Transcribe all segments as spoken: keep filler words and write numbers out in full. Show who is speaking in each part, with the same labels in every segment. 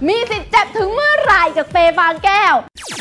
Speaker 1: มีสิทธิ์เจ็บถึงเมื่อไหร่จากเฟย์ฟางแก้ว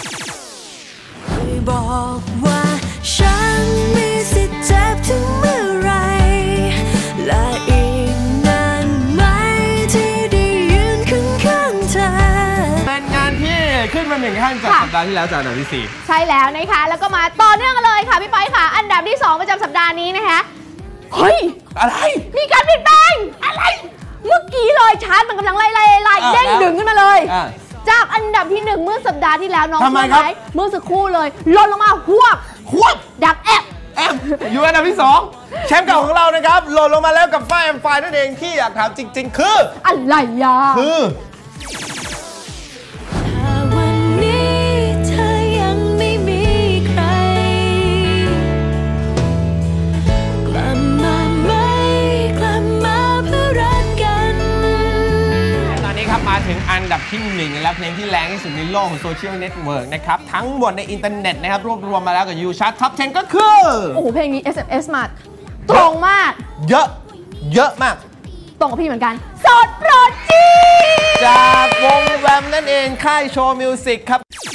Speaker 2: บอกว่าฉันมีสิทธิ์เจ็บถึงเมื่อไหร่และอีกนานไหมที่ได้ยืนข้างๆเธอ
Speaker 3: เป็นงานที่ขึ้นมาหนึ่งขั้นจากสัปดาห์ที่แล้วจากอันดับที่สี่
Speaker 1: ใช่แล้วนะคะแล้วก็มาต่อเนื่องกันเลยค่ะพี่ไปค่ะอันดับที่สองประจำสัปดาห์นี้นะคะเฮ้ย
Speaker 3: อะไร
Speaker 1: มีการเปลี่ยนแปลงอะไรเมื่อกี้เลยชาร์ตมันกำลังไล่ไล่ไล่เด้งดึงขึ้นมาเลยจากอันดับที่หนึ่งเมื่อสัปดาห์ที่แล้วน้อง
Speaker 3: ทำไมครับ
Speaker 1: เมื่อสักครู่เลยลดลงมาหวบ
Speaker 3: หวบ
Speaker 1: ดับแอบ
Speaker 3: แอมอยู่อันดับที่สองแชมป์เก่าของเรานะครับหล่นลงมาแล้วกับฝ้ายแอมไฟนั่นเองที่อยากถามจริงๆคือ
Speaker 1: อะไรอ่ะ
Speaker 3: คือ
Speaker 2: วันนี้เธอยังไม่มีใครกลับมาไหมกลับมาเพื่อรักกัน
Speaker 3: ตอนนี้ครับมาถึงอันดับที่หนึ่งและเพลงที่แรงที่สุดในโลกของโซเชียลเน็ตเวิร์กนะครับทั้งหมดในอินเทอร์เน็ตนะครับรวบรวมมาแล้วกับยูชาร์ตท็อปสิบก็คือ
Speaker 1: โอ้โหเพลงนี้ เอส เอ็ม เอส มาตรงมาก
Speaker 3: เยอะเยอะมาก
Speaker 1: ตรงกับพี่เหมือนกันสดโปรดจี
Speaker 3: จากวงแวมนั่นเองค่ายโชว์มิวสิกครับ